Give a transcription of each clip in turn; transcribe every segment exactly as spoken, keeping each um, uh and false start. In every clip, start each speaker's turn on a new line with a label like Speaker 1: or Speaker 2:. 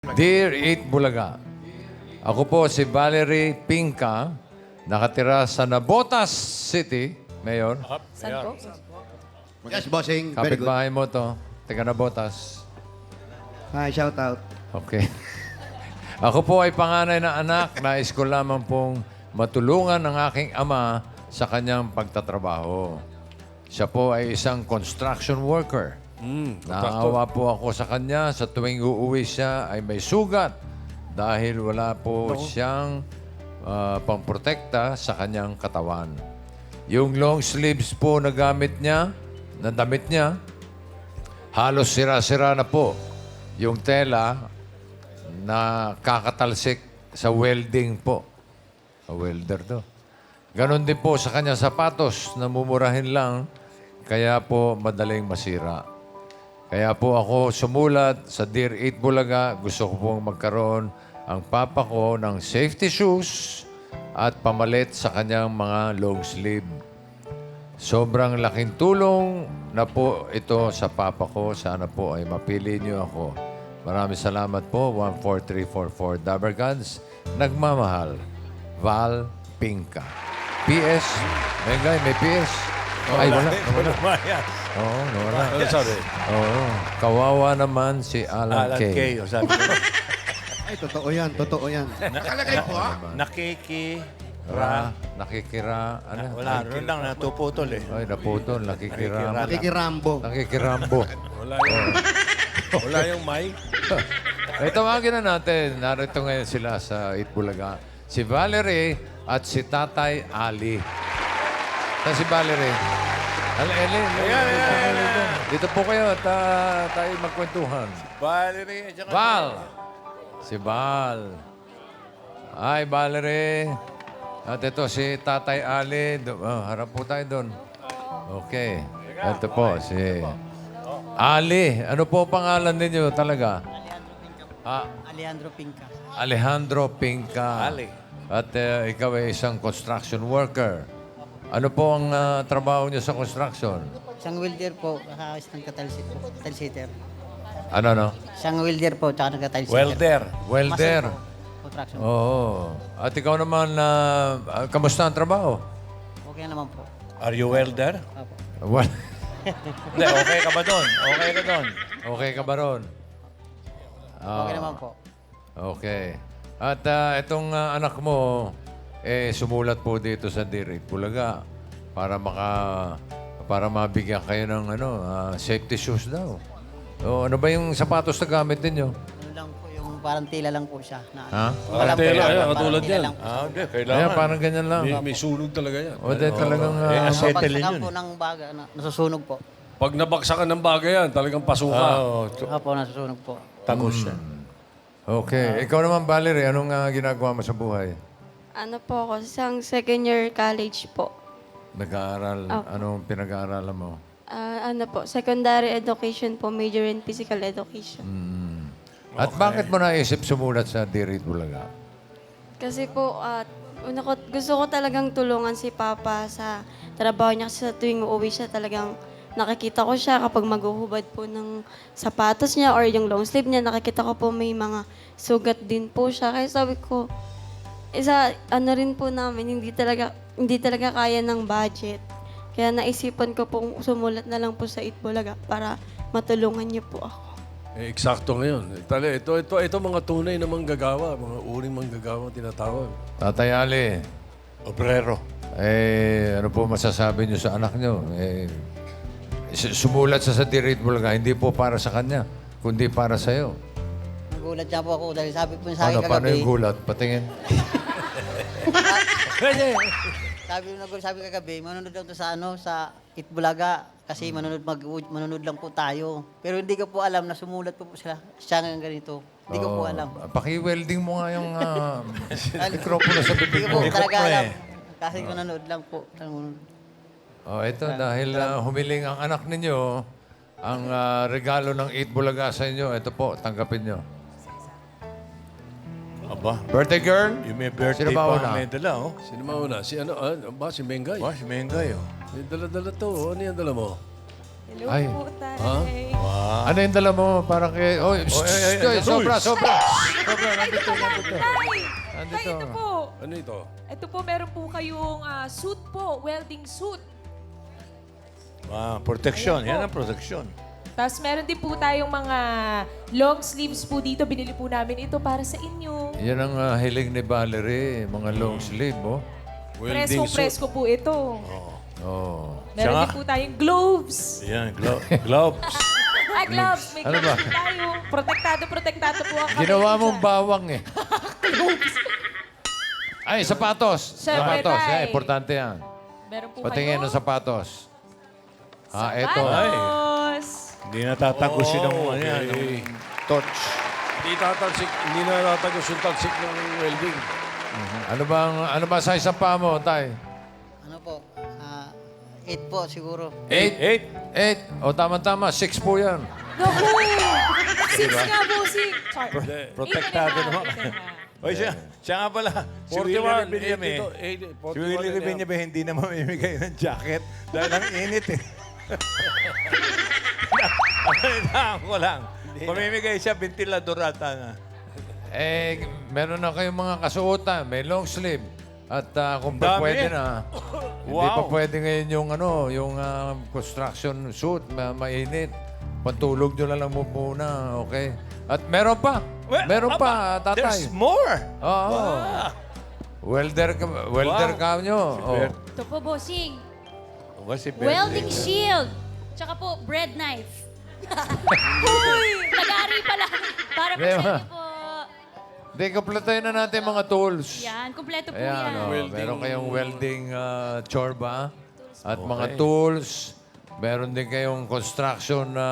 Speaker 1: Dear Eat Bulaga, ako po si Valerie Pinca, nakatira sa Nabotas City, Mayor.
Speaker 2: Saan po?
Speaker 3: Yes, bossing. Very good.
Speaker 1: Kapitbahay mo to, taga Nabotas.
Speaker 3: Hi, shout out.
Speaker 1: Okay. Ako po ay panganay na anak. Nais ko lamang pong matulungan ang aking ama sa kanyang pagtatrabaho. Siya po ay isang construction worker.
Speaker 4: Mm,
Speaker 1: Naawa po ako sa kanya sa tuwing uuwi siya ay may sugat dahil wala po siyang ah, pangprotekta sa kanyang katawan. Yung long sleeves po na gamit niya, na damit niya, halos sira-sira na po. Yung tela na kakatalsik sa welding po. A welder to. Ganon din po sa kanyang sapatos na mumurahin lang, kaya po madaling masira. Kaya po ako sumulat sa Dear Eat Bulaga. Gusto ko pong magkaroon ang papa ko ng safety shoes at pamalit sa kanyang mga long sleeve. Sobrang laking tulong na po ito sa papa ko. Sana po ay mapili niyo ako. Maraming salamat po. one four three four four Dabargans. Nagmamahal. Val Pinca. P S. Mengay, may P S. Ay, wala. Nawala. Oo, nawala.
Speaker 4: Ano sabi?
Speaker 1: Oo. Kawawa naman si Alan,
Speaker 4: Alan
Speaker 1: K.
Speaker 4: K. O sabi ko,
Speaker 3: Ay, totoo yan. Totoo yan.
Speaker 5: Nakalagay po ah.
Speaker 4: nakiki...
Speaker 1: Ra, nakikira, ano?
Speaker 5: Wala, ron lang natuputol eh.
Speaker 1: Ay, naputol, nakikira.
Speaker 3: Nakikirambo.
Speaker 1: Nakikirambo.
Speaker 4: Wala yung... wala yung mic.
Speaker 1: Eh, tawagin na natin. Narito ngayon sila sa Itbulaga. Si Valerie at si Tatay Ali. Saan si Valerie? Al Eli,
Speaker 5: Ayan, ayan, ayan.
Speaker 1: dito po kayo at ah, tayo magkwentuhan.
Speaker 5: Valerie, at saka...
Speaker 1: Val! Si Val. Hi, Valerie. At ito si Tatay Ali. Do- oh, harap po tayo doon. Okay. Ito po si Ali. Ano po pangalan ninyo talaga? Ah,
Speaker 2: Alejandro Pinca.
Speaker 1: Alejandro Pinca.
Speaker 5: Ali.
Speaker 1: At eh, ikaw ay isang construction worker. Ano po ang ah, trabaho niyo sa construction?
Speaker 2: Isang welder po, saka isang katalsit po. Talsitter.
Speaker 1: Ano, no?
Speaker 2: Isang welder po, tsaka nagkatalsitter.
Speaker 4: Welder.
Speaker 1: Welder.
Speaker 2: Construction.
Speaker 1: Oo. At ikaw naman, ah, ah, kamusta ang trabaho?
Speaker 2: Okay naman po.
Speaker 4: Are you welder?
Speaker 2: Opo.
Speaker 1: Well,
Speaker 5: Hindi, okay ka ba doon? Okay ka doon?
Speaker 1: okay ka ba ron? Ah,
Speaker 2: Okay naman po.
Speaker 1: Okay. At ah, itong ah, anak mo, eh, sumulat po dito sa Dear Eat Bulaga para maka para mabigyan kayo ng ano, ah, safety shoes daw. O, ano ba yung sapatos na gamit ninyo?
Speaker 2: Ano lang po, yung parang tila lang po siya. Na,
Speaker 1: Ha?
Speaker 2: Walang
Speaker 4: tela,
Speaker 2: tela,
Speaker 4: ayan,
Speaker 2: parang
Speaker 4: katulad
Speaker 2: tila
Speaker 4: yan.
Speaker 2: lang po.
Speaker 5: Ah, hindi,
Speaker 1: Kaya
Speaker 5: kailangan.
Speaker 1: parang ganyan lang.
Speaker 4: May, may sunog talaga yan.
Speaker 1: O, di talagang...
Speaker 5: Eh,
Speaker 1: ah,
Speaker 5: as- Settle
Speaker 2: Pagsakan
Speaker 5: yun.
Speaker 2: po ng baga, na, nasusunog po.
Speaker 4: Pag nabagsakan ng bagay yan, talagang pasuka.
Speaker 5: Oo, tu-
Speaker 2: Opo, nasusunog po.
Speaker 5: tagos yan.
Speaker 1: okay. Ikaw naman, Valerie, anong ah, ginagawa mo sa buhay?
Speaker 6: Ano po ako, isang second year college po.
Speaker 1: Nag-aaral.
Speaker 6: Opo.
Speaker 1: Anong pinag-aaralan mo?
Speaker 6: Ah, ano po, secondary education po, major in physical education.
Speaker 1: At bakit mo naisip sumulat sa Dear Eat Bulaga?
Speaker 6: Kasi po, at una ko, gusto ko talagang tulungan si Papa sa trabaho niya kasi sa tuwing uuwi siya talagang nakikita ko siya kapag maghuhubad po ng sapatos niya or yung long sleeve niya, nakikita ko po may mga sugat din po siya. Kaya sabi ko, isa, ano rin po namin, hindi talaga, hindi talaga kaya ng budget. Kaya naisipan ko pong sumulat na lang po sa Itbulaga para matulungan niyo po ako.
Speaker 4: Eh, eksakto ngayon. Tali, ito, ito, ito mga tunay na manggagawa, mga uring manggagawa tinatawag.
Speaker 1: Tatay Ali,
Speaker 5: Obrero.
Speaker 1: eh, ano po masasabi niyo sa anak niyo? Eh, s- sumulat sa sa Dear Eat Bulaga, hindi po para sa kanya, kundi para sa iyo.
Speaker 2: Nagulat niya po ako dahil sabi po niya sa akin
Speaker 1: Ano, paano
Speaker 2: kagabi.
Speaker 1: yung gulat? Patingin.
Speaker 2: Sabi mo sabi kagabi, manunod lang to sa ano, sa Itbulaga kasi manunod mag manunod lang po tayo. Pero hindi ko po alam na sumulat po, po sila siya ng ganito. Hindi ko po
Speaker 1: Oh,
Speaker 2: alam.
Speaker 1: paki-welding mo nga yung ah, mikropono sa
Speaker 2: Hindi
Speaker 1: bibig
Speaker 2: ko
Speaker 1: mo.
Speaker 2: po talaga alam. Kasi manunod lang po. Manunod.
Speaker 1: Oh, ito, dahil ah, humiling ang anak ninyo, ang ah, regalo ng Eat Bulaga sa inyo, ito po, tanggapin nyo.
Speaker 5: Aba,
Speaker 1: Birthday girl?
Speaker 5: yung may birthday
Speaker 1: Sino ba
Speaker 5: pa
Speaker 1: una?
Speaker 5: may dala, oh.
Speaker 4: Sino mauna? Si ano? Ah, ba? Si Mengay.
Speaker 5: Ba, si Mengay, oh.
Speaker 4: May dala-dala to. oh. Ano yung dala mo?
Speaker 7: Hello
Speaker 1: Ay.
Speaker 7: po, tay.
Speaker 1: Ano yung dala mo? Parang kay... Oh,
Speaker 5: ay, ay,
Speaker 1: Joy,
Speaker 5: ay,
Speaker 1: sobra,
Speaker 5: Uy.
Speaker 1: sobra. Sobra, nandito, nandito.
Speaker 7: Tay,
Speaker 1: Nandito.
Speaker 7: tay, ito po.
Speaker 4: Ano ito?
Speaker 7: Ito po, meron po kayong ah, suit po, welding suit.
Speaker 5: Ah, protection.
Speaker 7: Ayan po.
Speaker 5: Yan ang protection.
Speaker 7: Tapos meron din po tayong mga long sleeves po dito. Binili po namin ito para sa inyo.
Speaker 1: Yan ang ah, hiling ni Valerie, mga long sleeve, oh.
Speaker 5: Welding suit.
Speaker 7: Presko-presko po ito.
Speaker 1: Oh.
Speaker 7: Meron
Speaker 5: Tsaka-
Speaker 7: din po tayong gloves.
Speaker 5: Yan, glo- gloves.
Speaker 7: Ah, gloves. May
Speaker 1: Ano
Speaker 7: gloves
Speaker 1: ba?
Speaker 7: po tayo. Protektado, protektado po ang kamay
Speaker 1: Ginawa
Speaker 7: ko
Speaker 1: mong
Speaker 7: dyan.
Speaker 1: bawang eh. Ay, sapatos.
Speaker 7: Siyempre,
Speaker 1: Sapatos.
Speaker 7: tay.
Speaker 1: Yan, importante yan.
Speaker 7: Meron po
Speaker 1: Patingin
Speaker 7: kayo.
Speaker 1: ng sapatos. Ah, eto.
Speaker 7: Sapatos.
Speaker 5: Hindi natatagusin ang ano yan.
Speaker 4: Okay.
Speaker 5: ang torch.
Speaker 4: Hindi tatalsik, hindi na tatagos yung talsik ng welding.
Speaker 1: Ano bang, ano ba size ang paa mo, tay?
Speaker 2: Ano po? Ah, eight po siguro.
Speaker 1: Eight?
Speaker 5: Eight.
Speaker 1: Eight. O, tama-tama. Six po yan.
Speaker 7: Naku! Six nga po, six. Sorry.
Speaker 5: Pro- protektado
Speaker 7: Eight and a half,
Speaker 5: naman.
Speaker 7: eight and a half.
Speaker 5: Oy, siya, siya nga pala. Si Willie
Speaker 4: forty-one,
Speaker 5: Rebillame.
Speaker 4: eighty-two, eighty,
Speaker 5: Si
Speaker 4: forty-one
Speaker 5: Willie
Speaker 4: and a half.
Speaker 5: Rebillame hindi na mamimigay ng jacket dahil ang init eh. Palitaan ko lang. Mamimigay siya, ventilador ata na.
Speaker 1: Eh, meron na kayong mga kasuotan. May long sleeve. At ah, kung pa
Speaker 5: Dami
Speaker 1: pwede
Speaker 5: eh.
Speaker 1: na, hindi pa
Speaker 5: Wow.
Speaker 1: pwede ngayon yung, ano, yung ah, construction suit, ma mainit. Pantulog nyo na lang mo muna, okay? At meron pa.
Speaker 5: Well,
Speaker 1: meron pa,
Speaker 5: aba,
Speaker 1: tatay.
Speaker 5: There's more.
Speaker 1: Oo. Welder ka, welder
Speaker 5: Wow.
Speaker 1: ka nyo. Oh.
Speaker 5: Bert.
Speaker 8: Ito po, bossing.
Speaker 5: O, si Bert.
Speaker 8: Welding shield. Tsaka po, bread knife. Nag-ari pala. Para po
Speaker 1: Di
Speaker 8: sa
Speaker 1: ba?
Speaker 8: inyo po.
Speaker 1: Hindi, kumpletuhin na natin mga tools.
Speaker 8: Yan, kumpleto po
Speaker 1: Ayan,
Speaker 8: yan.
Speaker 1: oh, meron kayong welding ah, chorba at mga
Speaker 5: Okay.
Speaker 1: tools. Meron din kayong construction na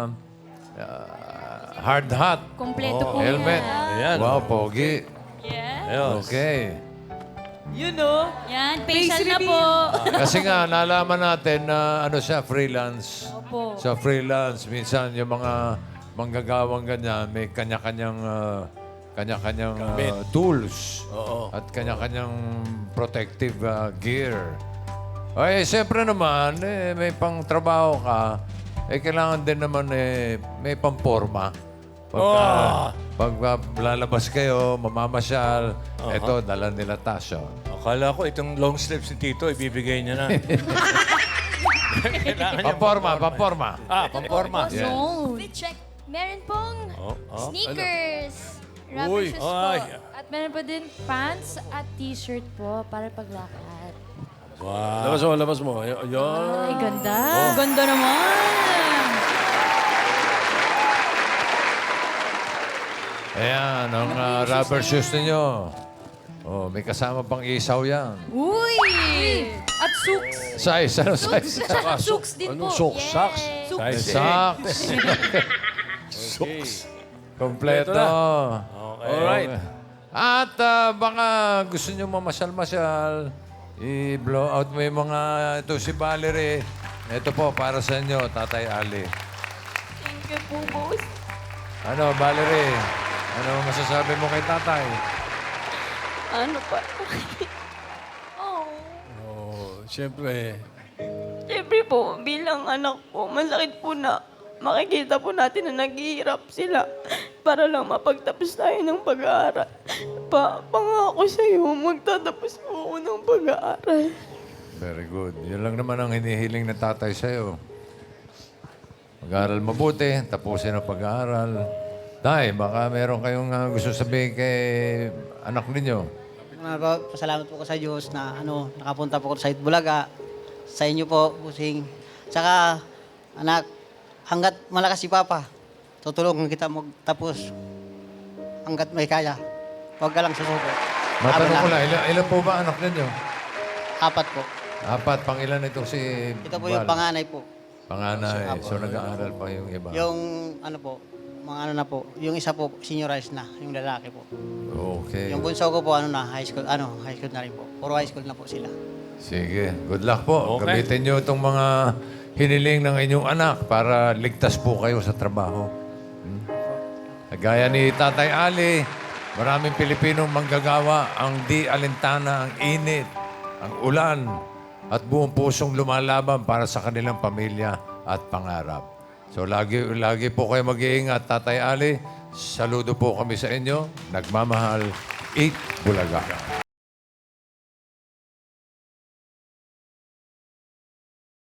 Speaker 1: ah, hard hat.
Speaker 8: Kumpleto po
Speaker 1: Helmet.
Speaker 8: yan.
Speaker 5: Ayan.
Speaker 1: Wow, pogi.
Speaker 8: Yes.
Speaker 5: Ayos.
Speaker 1: Okay.
Speaker 7: You know?
Speaker 8: Yan,
Speaker 7: Face
Speaker 8: facial na
Speaker 7: reveal.
Speaker 8: po.
Speaker 1: Kasi nga, nalaman natin na ano siya, freelance.
Speaker 8: Opo.
Speaker 1: Sa freelance, minsan yung mga manggagawang ganyan, may kanya-kanyang ah, kanya-kanyang ah, tools.
Speaker 4: Oo.
Speaker 1: At kanya-kanyang protective ah, gear. Ay, siyempre naman, eh, may pang trabaho ka, eh, kailangan din naman eh, may pamporma. Pagka,
Speaker 5: Oh.
Speaker 1: pag ah, lalabas kayo, mamamasyal, eto, dala nila tasyo.
Speaker 5: Akala ko itong long sleeves ni Tito, ibibigay niya na. Kailangan niya.
Speaker 1: Pamporma, pamporma.
Speaker 5: Ah, pamporma.
Speaker 1: Yeah.
Speaker 8: No.
Speaker 9: Check. Meron pong
Speaker 5: Oh, oh.
Speaker 9: sneakers, rubber
Speaker 4: Uy.
Speaker 9: shoes po.
Speaker 5: Ay.
Speaker 9: At meron po din pants at t-shirt po para paglakad.
Speaker 5: Wow.
Speaker 4: Labas mo, labas mo. Ay- Ayun.
Speaker 9: Ay, ganda.
Speaker 8: Ganda naman.
Speaker 1: Ayan, ang ah, rubber shoes ninyo. Oh, may kasama pang isaw yan.
Speaker 8: Uy!
Speaker 9: At socks.
Speaker 1: Size, ano size?
Speaker 9: Tsaka socks din
Speaker 4: Anong
Speaker 9: po.
Speaker 4: socks? Socks?
Speaker 5: Size eight.
Speaker 1: Socks.
Speaker 4: Okay.
Speaker 1: Kompleto.
Speaker 5: Okay.
Speaker 4: Alright.
Speaker 1: At ah, baka gusto nyo mamasyal-masyal, i-blow out mo yung mga, ito si Valerie. Ito po, para sa inyo, Tatay Ali.
Speaker 7: Thank you po, boss.
Speaker 1: Ano, Valerie? Ano masasabi mo kay Tatay?
Speaker 6: Ano pa?
Speaker 7: Oh.
Speaker 4: Oh, siyempre,
Speaker 6: Siyempre po, bilang anak po, masakit po na makikita po natin na naghihirap sila para lang mapagtapos tayo ng pag-aaral. Pa, pangako sa'yo, magtatapos po ako ng pag-aaral.
Speaker 1: Very good. Yun lang naman ang hinihiling ng tatay sa'yo. Mag-aaral mabuti, tapusin ang pag-aaral. Tay, baka meron kayong ah, gusto sabihin kay anak ninyo.
Speaker 2: Mga pa- Pasalamat po ko sa Diyos na ano, nakapunta po ko sa Itbulaga. Sa inyo po, busing. Tsaka, anak, hanggat malakas si Papa, tutulungan kita magtapos hanggat may kaya. Huwag ka lang susuko.
Speaker 1: Matanong ko
Speaker 2: Habang
Speaker 1: lang, ilan, ilan po ba anak ninyo?
Speaker 2: Apat po.
Speaker 1: Apat, pang ilan ito si
Speaker 2: Ito po yung
Speaker 1: Val?
Speaker 2: panganay po.
Speaker 1: Panganay. So, nag-aaral pa yung iba.
Speaker 2: Yung ano po, mga ano na po, yung isa po, seniorized na, yung lalaki po.
Speaker 1: Okay.
Speaker 2: Yung bunso ko po, ano na, high school, ano, high school na rin po. Puro high school na po sila.
Speaker 1: Sige. Good luck po.
Speaker 5: Okay.
Speaker 1: Gamitin nyo itong mga hiniling ng inyong anak para ligtas po kayo sa trabaho. Hmm? Gaya ni Tatay Ali, maraming Pilipinong manggagawa ang di alintana, ang init, ang ulan, at buong pusong lumalaban para sa kanilang pamilya. at pangarap. So lagi, lagi po kayo mag-iingat, Tatay Ali. Saludo po kami sa inyo. Nagmamahal, Eat Bulaga.